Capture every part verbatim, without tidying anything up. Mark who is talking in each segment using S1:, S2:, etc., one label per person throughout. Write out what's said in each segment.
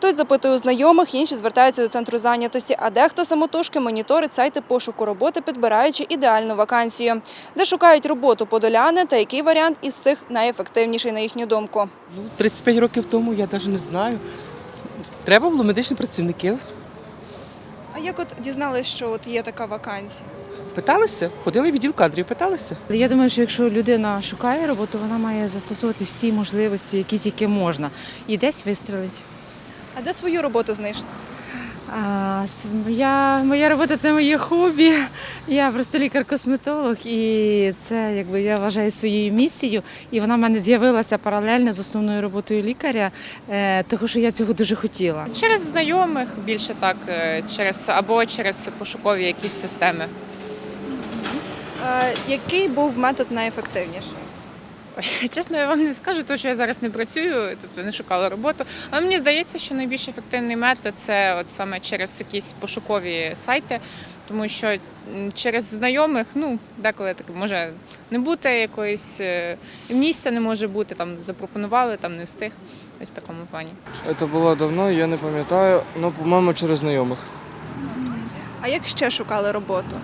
S1: Хтось запитує у знайомих, інші звертаються до центру зайнятості, а дехто самотужки моніторить сайти пошуку роботи, підбираючи ідеальну вакансію. Де шукають роботу подоляни та який варіант із цих найефективніший, на їхню думку?
S2: Ну, тридцять п'ять років тому, я навіть не знаю. Треба було медичних працівників.
S1: А як от дізналися, що от є така вакансія?
S2: Питалися, ходили в відділ кадрів, питалися.
S3: Я думаю, що якщо людина шукає роботу, вона має застосовувати всі можливості, які тільки можна, і десь вистрелить.
S1: А де свою роботу знайшли?
S3: А, с- я, моя робота – це моє хобі. Я просто лікар-косметолог, і це, якби, я вважаю своєю місією. І вона в мене з'явилася паралельно з основною роботою лікаря, е, тому що я цього дуже хотіла.
S4: Через знайомих більше так, е, через або через пошукові якісь системи.
S1: А, який був метод найефективніший?
S4: Ой, чесно, я вам не скажу, тому що я зараз не працюю, тобто не шукала роботу. Але мені здається, що найбільш ефективний метод це от саме через якісь пошукові сайти, тому що м, через знайомих, ну, деколи так може не бути якоїсь е, місця, не може бути, там запропонували, там не встиг. Ось в такому плані.
S5: Це було давно, я не пам'ятаю, ну, по-моєму, через знайомих.
S1: А як ще шукали роботу?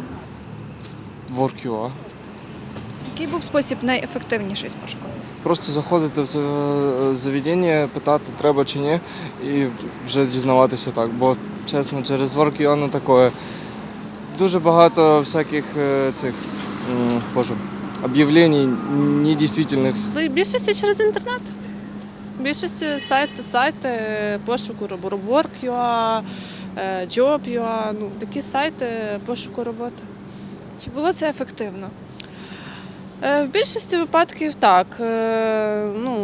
S5: Work.ua.
S1: Який був спосіб найефективніший з пошуку?
S5: Просто заходити в це заведення, питати, треба чи ні, і вже дізнаватися так. Бо, чесно, через Work.ua не таке. Дуже багато всяких е, цих, м, боже, об'явлень недійсних.
S6: В більшості через інтернет. В більшості сайти, сайти пошуку роботи, Work.ua, е, Job.ua, ну, такі сайти пошуку роботи.
S1: Чи було це ефективно?
S6: Е, В більшості випадків так. Е, Ну,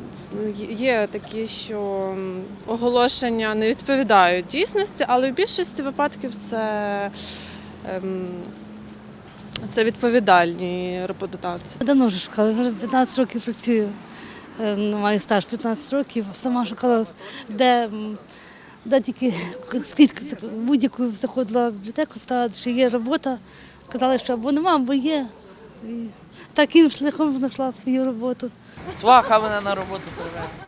S6: є такі, що м, оголошення не відповідають дійсності, але в більшості випадків це, ем, це відповідальні роботодавці.
S7: Давно вже шукала, вже п'ятнадцять років працюю. Е, ну, Маю стаж п'ятнадцять років. Сама шукала, де, м, де тільки скільки в будь-яку заходила в бібліотеку, та чи є робота. Казали, що або нема, або є. І таким шляхом знайшла свою роботу.
S8: Сваха мене на роботу приведе.